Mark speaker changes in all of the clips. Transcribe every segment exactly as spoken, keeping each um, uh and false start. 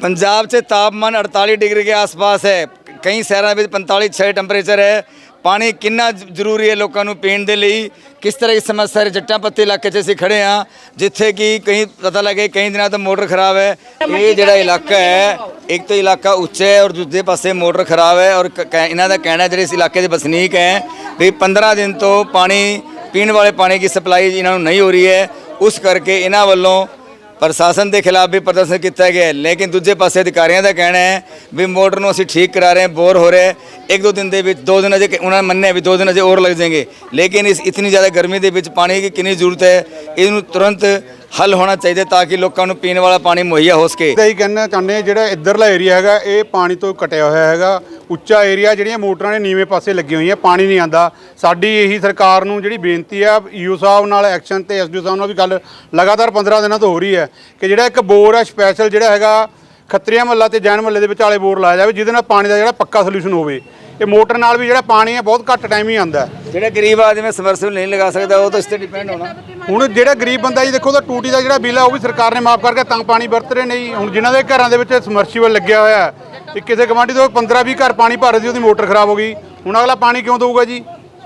Speaker 1: पंजाब से तापमान अड़तालीस डिग्री के आसपास है, कई शहरों में पैंतालीस छः टैंपरेचर है। पानी कितना जरूरी है लोगों को पीने के लिए, किस तरह की समस्या है। जट्टा पत्ती इलाके च असीं खड़े हाँ, जिथे कि कहीं पता लगे कई दिनों तो मोटर खराब है। ये जिहड़ा इलाका है, एक तो इलाका उच्चा है और दूसरे पासे मोटर खराब है। और इन्हों का कहना है जिहड़े इस इलाके के वसनीक हैं भी पंद्रह दिन तो पानी पीने वाले पानी की सप्लाई इन्होंने नहीं हो रही है। उस करके इन्हों वालों प्रशासन के खिलाफ भी प्रदर्शन किया गया है। लेकिन दूजे पासे अधिकारियों का कहना है भी मोटर को असीं ठीक करा रहे हैं, बोर हो रहे हैं, एक दो दिन के दो दिन अजे उन्होंने मन्ने भी दो दिन अजे और लग जाएंगे। लेकिन इस इतनी ज़्यादा गर्मी के पानी की कितनी जरूरत है, इनू तुरंत हल होना चाहिए ताकि लोगों को पीने वाला पानी मुहैया हो सके।
Speaker 2: यही कहना चाहते जो इधरला एरिया है ये पानी तो कटिया हुआ है, उच्चा एरिया ਜਿਹੜੀਆਂ ਮੋਟਰਾਂ ਨੇ ਨੀਵੇਂ ਪਾਸੇ ਲੱਗੀ ਹੋਈਆਂ, ਪਾਣੀ ਨਹੀਂ ਆਂਦਾ। ਸਾਡੀ ਇਹੀ ਸਰਕਾਰ ਨੂੰ ਜਿਹੜੀ ਬੇਨਤੀ ਆ ਈਓ ਸਾਹਿਬ ਨਾਲ ਐਕਸ਼ਨ ਤੇ ਐਸਡੀਓ ਸਾਹਿਬ ਨਾਲ ਵੀ ਗੱਲ ਲਗਾਤਾਰ ਪੰਦਰਾਂ ਦਿਨਾਂ ਤੋਂ ਹੋ ਰਹੀ ਹੈ ਕਿ ਜਿਹੜਾ ਇੱਕ ਬੋਰ ਹੈ ਸਪੈਸ਼ਲ ਜਿਹੜਾ ਹੈਗਾ ਖੱਤਰੀਆਂ ਮਹੱਲਾ ਤੇ ਜੈਨ ਮਹੱਲੇ ਦੇ ਵਿਚਾਲੇ ਬੋਰ ਲਾਇਆ ਜਾਵੇ, ਜਿਹਦੇ ਨਾਲ ਪਾਣੀ ਦਾ ਜਿਹੜਾ ਪੱਕਾ ਸੋਲੂਸ਼ਨ ਹੋਵੇ। ਇਹ ਮੋਟਰ ਨਾਲ ਵੀ ਜਿਹੜਾ ਪਾਣੀ ਹੈ ਬਹੁਤ ਘੱਟ ਟਾਈਮ ਹੀ ਆਂਦਾ।
Speaker 1: ਜਿਹੜਾ ਗਰੀਬ ਆਦਮੀ ਸਮਰਸੀਬਲ ਨਹੀਂ ਲਗਾ ਸਕਦਾ ਉਹ ਤਾਂ ਇਸ ਤੇ ਡਿਪੈਂਡ ਹੋਣਾ।
Speaker 2: ਹੁਣ ਜਿਹੜਾ ਗਰੀਬ ਬੰਦਾ ਜੀ ਦੇਖੋ ਤਾਂ ਟੂਟੀ ਦਾ ਜਿਹੜਾ ਬਿੱਲ ਹੈ ਉਹ ਵੀ ਸਰਕਾਰ ਨੇ ਮਾਫ ਕਰਕੇ ਤਾਂ ਪਾਣੀ ਵਰਤ ਰਹੇ ਨੇ ਜੀ। ਹੁਣ ਜਿਨ੍ਹਾਂ ਦੇ ਘਰਾਂ ਦੇ ਵਿੱਚ ਸਮਰਸੀਬਲ ਲੱਗਿਆ ਹੋਇਆ ਹੈ, ਇਹ ਕਿਸੇ ਗਵਾਂਢੀ ਤੋਂ ਪੰਦਰਾਂ ਵੀਹ ਘਰ ਪਾਣੀ ਭਰ ਰਹੀ ਉਹਦੀ ਮੋਟਰ ਖਰਾਬ ਹੋ ਗਈ, ਹੁਣ ਅਗਲਾ ਪਾਣੀ ਕਿਉਂ ਦੇਊਗਾ ਜੀ।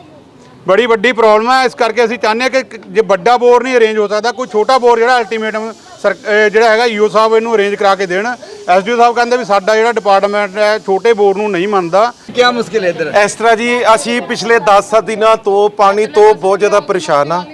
Speaker 2: ਬੜੀ ਵੱਡੀ ਪ੍ਰੋਬਲਮ ਹੈ। ਇਸ ਕਰਕੇ ਅਸੀਂ ਚਾਹੁੰਦੇ ਹਾਂ ਕਿ ਜੇ ਵੱਡਾ ਬੋਰ ਨਹੀਂ ਅਰੇਂਜ ਹੋ ਸਕਦਾ, ਕੋਈ ਛੋਟਾ ਬੋਰ ਜਿਹੜਾ ਅਲਟੀਮੇਟਮ ਸਰ ਜਿਹੜਾ ਹੈਗਾ ਈਓ ਸਾਹਿਬ ਇਹਨੂੰ ਅਰੇਂਜ ਕਰਾ ਕੇ ਦੇਣ। ਐਸਡੀਓ ਸਾਹਿਬ ਕਹਿੰਦੇ ਵੀ ਸਾਡਾ ਜਿਹੜਾ ਡਿਪਾਰਟਮੈਂਟ ਹੈ ਛੋਟੇ ਬੋਰ ਨੂੰ ਨਹੀਂ ਮੰਨਦਾ।
Speaker 1: ਕੀ ਮੁਸ਼ਕਿਲ ਹੈ ਇੱਧਰ?
Speaker 3: ਇਸ ਤਰ੍ਹਾਂ ਜੀ ਅਸੀਂ ਪਿਛਲੇ ਦਸ ਦਿਨਾਂ ਤੋਂ ਪਾਣੀ ਤੋਂ ਬਹੁਤ ਜ਼ਿਆਦਾ ਪਰੇਸ਼ਾਨ ਆ।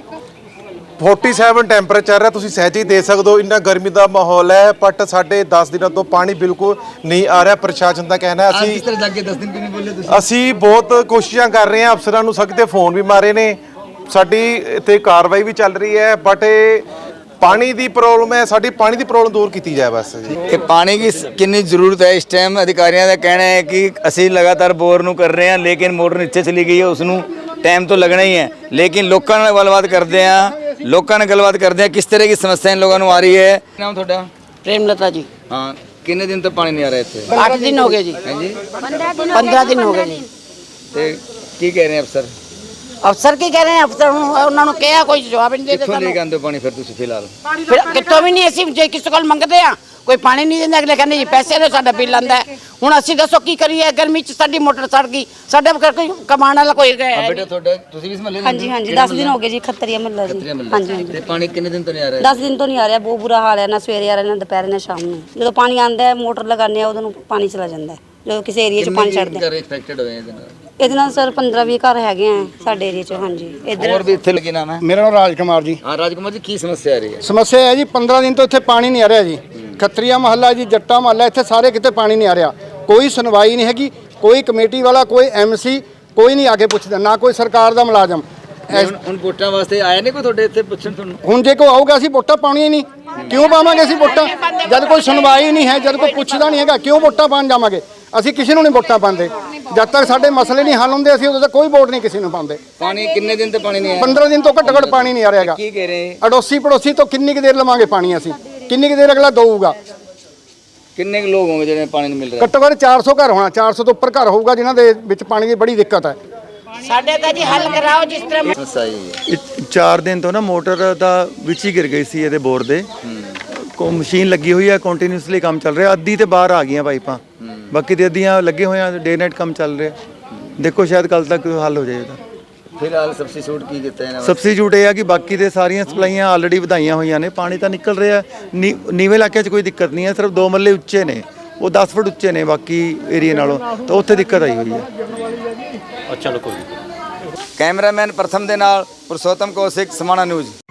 Speaker 3: सैंतालीस ਟੈਂਪਰੇਚਰ ਹੈ, ਤੁਸੀਂ ਸਹਿਜ ਹੀ ਦੇ ਸਕਦੇ ਹੋ, ਇੰਨਾ ਗਰਮੀ ਦਾ ਮਾਹੌਲ ਹੈ। ਬਟ ਸਾਡੇ ਦਸ ਦਿਨਾਂ ਤੋਂ ਪਾਣੀ ਬਿਲਕੁਲ ਨਹੀਂ ਆ ਰਿਹਾ। ਪ੍ਰਸ਼ਾਸਨ ਦਾ ਕਹਿਣਾ ਅਸੀਂ
Speaker 1: ਕਿਸ ਤਰ੍ਹਾਂ ਜਾਗੇ ਦਸ ਦਿਨ ਕਿਉਂ ਨਹੀਂ ਬੋਲੇ ਤੁਸੀਂ?
Speaker 3: ਅਸੀਂ ਬਹੁਤ ਕੋਸ਼ਿਸ਼ਾਂ ਕਰ ਰਹੇ ਹਾਂ, ਅਫਸਰਾਂ ਨੂੰ ਸਖਤ ਫੋਨ ਵੀ ਮਾਰੇ ਨੇ, ਸਾਡੀ ਇੱਥੇ ਕਾਰਵਾਈ ਵੀ ਚੱਲ ਰਹੀ ਹੈ। ਬਟ ਇਹ पानी की प्रॉब्लम है, साड़ी पानी की प्रॉब्लम दूर की जाए बस जी।
Speaker 1: ये पानी की कितनी जरूरत है इस टाइम? अधिकारियों का कहना है कि असी लगातार बोर नू कर रहे हैं, लेकिन मोटर नीचे चली गई है, उसनू टाइम तो लगना ही है। लेकिन लोगों ने गलबात करते हैं, लोगों ने गलबात करते हैं किस तरह की समस्या इन लोगों को आ रही है। नाम थोड़ा?
Speaker 4: प्रेमलता जी।
Speaker 1: हाँ, कितने दिन तक पानी नहीं आ रहा इतने?
Speaker 4: आठ दिन हो गए जी।
Speaker 1: हैं जी,
Speaker 4: पंद्रह दिन हो गए जी।
Speaker 1: तो की कह रहे हैं अफसर?
Speaker 4: अफसर की कह रहे हैं, अफसर उन्होंने कहा कोई जवाब नहीं देता।
Speaker 1: कित्थों लेके आंदे हो पानी फिर तुसीं फिलहाल?
Speaker 4: फिर कितों भी नहीं, ਅਸੀਂ ਜੇ ਕਿਸੇ ਕੋਲ ਮੰਗਦੇ ਆ ਕੋਈ ਪਾਣੀ ਨਹੀਂ ਦਿੰਦਾ, ਅਗਲੇ ਕਹਿੰਦੇ ਜੀ ਪੈਸੇ ਨੇ ਸਾਡਾ ਬਿੱਲ ਆਂਦਾ। ਹੁਣ ਅਸੀਂ ਦੱਸੋ ਕੀ ਕਰੀਏ, ਗਰਮੀ ਚ ਸਾਡੀ ਮੋਟਰ ਸੜ ਗਈ, ਸਾਡੇ ਕੋਈ ਕਮਾਉਣ ਵਾਲਾ ਕੋਈ ਹੈ।
Speaker 1: ਬੇਟਾ ਤੁਹਾਡਾ ਤੁਸੀਂ ਵੀ ਇਸ ਮਹੱਲੇ ਦੇ?
Speaker 5: ਹਾਂਜੀ ਹਾਂਜੀ ਦਸ ਦਿਨ ਹੋ ਗਏ ਜੀ ਖੱਤਰੀਆ ਮਹੱਲਾ ਜੀ। ਹਾਂਜੀ ਹਾਂਜੀ
Speaker 1: ਤੇ ਪਾਣੀ ਕਿੰਨੇ ਦਿਨ ਤੋਂ ਨਹੀਂ ਆ ਰਿਹਾ?
Speaker 5: ਦਸ ਦਿਨ ਤੋਂ ਨਹੀਂ ਆ ਰਿਹਾ, ਬਹੁਤ ਬੁਰਾ ਹਾਲ ਹੈ। ਨਾ ਸਵੇਰੇ ਆ ਰਿਹਾ ਨਾ ਦੁਪਹਿਰੇ ਨਾ ਸ਼ਾਮ ਨੂੰ। ਜਦੋਂ ਪਾਣੀ ਆਂਦਾ ਹੈ ਮੋਟਰ ਲਗਾਉਂਦੇ ਆ ਉਦੋਂ ਨੂੰ ਪਾਣੀ ਚਲਾ ਜਾਂਦਾ ਹੈ। ਜਦੋਂ ਕਿਸੇ ਏਰੀਆ 'ਚ ਪਾਣੀ ਛੱਡਦੇ
Speaker 1: ਘਰ ਇਨਫੈਕਟਡ ਹੋਏ ਇਹਦੇ ਨਾਲ?
Speaker 5: ਇਹਦੇ ਨਾਲ ਸਰ ਪੰਦਰਾਂ ਵੀਹ ਘਰ ਹੈਗੇ ਆ ਸਾਡੇ ਏਰੀਆ 'ਚ। ਹਾਂਜੀ ਇੱਧਰ
Speaker 1: ਹੋਰ ਵੀ ਇੱਥੇ ਲੱਗੇ ਨਾਮ ਹੈ?
Speaker 2: ਮੇਰਾ ਨਾਮ ਰਾਜ ਕੁਮਾਰ ਜੀ।
Speaker 1: ਹਾਂ ਰਾਜਕੁਮਾਰ ਜੀ, ਕੀ ਸਮੱਸਿਆ ਆ ਰਹੀ ਹੈ?
Speaker 2: ਸਮੱਸਿਆ ਹੈ ਜੀ ਪੰਦਰਾਂ ਦਿਨ ਤੋਂ ਇੱਥੇ ਪਾਣੀ ਨਹੀਂ ਆ ਰਿਹਾ ਜੀ। ਖੱਤਰੀਆ ਮਹੱਲਾ ਜੀ, ਜੱਟਾ ਮਹੱਲਾ, ਇੱਥੇ ਸਾਰੇ ਕਿਤੇ ਪਾਣੀ ਨਹੀਂ ਆ ਰਿਹਾ। ਕੋਈ ਸੁਣਵਾਈ ਨਹੀਂ ਹੈਗੀ, ਕੋਈ ਕਮੇਟੀ ਵਾਲਾ, ਕੋਈ ਐਮਸੀ, ਕੋਈ ਨਹੀਂ ਆ ਕੇ ਪੁੱਛਦਾ, ਨਾ ਕੋਈ ਸਰਕਾਰ ਦਾ ਮੁਲਾਜ਼ਮ।
Speaker 1: ਹੁਣ ਵੋਟਾਂ ਵਾਸਤੇ ਆਇਆ ਨਹੀਂ ਕੋਈ ਤੁਹਾਡੇ ਇੱਥੇ ਪੁੱਛਣ ਤੁਹਾਨੂੰ?
Speaker 2: ਹੁਣ ਜੇ ਕੋਈ ਆਊਗਾ ਅਸੀਂ ਵੋਟਾਂ ਪਾਉਣੀਆਂ ਹੀ ਨਹੀਂ। ਕਿਉਂ ਪਾਵਾਂਗੇ ਅਸੀਂ ਵੋਟਾਂ ਜਦ ਕੋਈ ਸੁਣਵਾਈ ਨਹੀਂ ਹੈ, ਜਦ ਕੋਈ ਪੁੱਛਦਾ ਨਹੀਂ ਹੈਗਾ, ਕਿਉਂ ਵੋਟਾਂ ਪਾਉਣ ਜਾਵਾਂਗੇ? ਅਸੀਂ ਕਿਸੇ ਨੂੰ ਨਹੀਂ ਵੋਟਾਂ ਪਾਉਂਦੇ। ਜਦ ਤੱਕ ਸਾਡੇ ਮਸਲੇ ਨਹੀਂ ਹੱਲ ਹੁੰਦੇ ਅਸੀਂ ਉਦੋਂ ਤੱਕ ਕੋਈ ਵੋਟ ਨਹੀਂ ਕਿਸੇ ਨੂੰ ਪਾਉਂਦੇ।
Speaker 1: ਪਾਣੀ ਕਿੰਨੇ ਦਿਨ ਤੇ ਪਾਣੀ ਨਹੀਂ ਆਇਆ?
Speaker 2: ਪੰਦਰਾਂ ਦਿਨ ਤੋਂ ਘੱਟੋ ਘੱਟ ਪਾਣੀ ਨਹੀਂ ਆ ਰਿਹਾ ਹੈਗਾ।
Speaker 1: ਕੀ ਕਹਿ ਰਹੇ?
Speaker 2: ਅੜੋਸੀ ਪੜੋਸੀ ਤੋਂ ਕਿੰਨੀ ਕੁ ਦੇਰ ਲਵਾਂਗੇ ਪਾਣੀ ਅਸੀਂ? ਕਿੰਨੀ ਕੁ ਦੇਰ ਅਗਲਾ ਦਊਗਾ?
Speaker 1: ਕਿੰਨੇ ਕੁ ਲੋਕ ਹੋਣਗੇ ਜਿਹੜੇ ਪਾਣੀ ਨਹੀਂ ਮਿਲ ਰਿਹਾ?
Speaker 2: ਘੱਟੋ ਘੱਟ ਚਾਰ ਸੌ ਘਰ ਹੋਣਾ, ਚਾਰ ਸੌ ਤੋਂ ਉੱਪਰ ਘਰ ਹੋਊਗਾ ਜਿਨ੍ਹਾਂ ਦੇ ਵਿੱਚ ਪਾਣੀ ਦੀ ਬੜੀ ਦਿੱਕਤ ਹੈ।
Speaker 4: ਸਾਡੇ ਤਾਂ ਜੀ ਹੱਲ ਕਰਾਓ ਜਿਸ ਤਰ੍ਹਾਂ।
Speaker 1: ਸਹੀ
Speaker 6: ਚਾਰ ਦਿਨ ਤੋਂ ਨਾ ਮੋਟਰ ਦਾ ਵਿੱਚ ਹੀ ਗਿਰ ਗਈ ਸੀ ਇਹਦੇ ਬੋਰ ਦੇ। ਕੋ ਮਸ਼ੀਨ ਲੱਗੀ ਹੋਈ ਹੈ, ਕੰਟੀਨਿਊਸਲੀ ਕੰਮ ਚੱਲ ਰਿਹਾ। ਅੱਧੀ ਤੇ ਬਾਹਰ ਆ ਗਈਆਂ ਪਾਈਪਾਂ, ਬਾਕੀ ਤੇ ਅੱਧੀਆਂ ਲੱਗੇ ਹੋਏ ਆ, ਡੇ ਨਾਈਟ ਕੰਮ ਚੱਲ ਰਿਹਾ। ਦੇਖੋ ਸ਼ਾਇਦ ਕੱਲ ਤੱਕ ਹੱਲ ਹੋ ਜਾਏ ਇਹਦਾ।
Speaker 1: ਫਿਲਹਾਲ ਸਬਸਟੀਟਿਊਟ ਕੀ ਕੀਤਾ ਇਹਨਾਂ ਨੇ?
Speaker 6: ਸਬਸਟੀਟਿਊਟ ਇਹ ਆ ਕਿ ਬਾਕੀ ਦੇ ਸਾਰੀਆਂ ਸਪਲਾਈਆਂ ਆਲਰੇਡੀ ਵਧਾਈਆਂ ਹੋਈਆਂ ਨੇ, ਪਾਣੀ ਤਾਂ ਨਿਕਲ ਰਿਹਾ। ਨੀਵੇਂ ਇਲਾਕੇ 'ਚ ਕੋਈ ਦਿੱਕਤ ਨਹੀਂ ਹੈ, ਸਿਰਫ ਦੋ ਮੱਲੇ ਉੱਚੇ ਨੇ, ਉਹ ਦਸ ਫੁੱਟ ਉੱਚੇ ਨੇ ਬਾਕੀ ਏਰੀਏ ਨਾਲੋਂ, ਤਾਂ ਉੱਥੇ ਦਿੱਕਤ ਆਈ ਹੋਈ ਹੈ।
Speaker 1: ਕੈਮਰਾਮੈਨ ਪ੍ਰਥਮ ਦੇ ਨਾਲ ਪੁਰਸ਼ੋਤਮ ਕੌਸ਼ਿਕ, ਸਮਾਣਾ ਨਿਊਜ਼।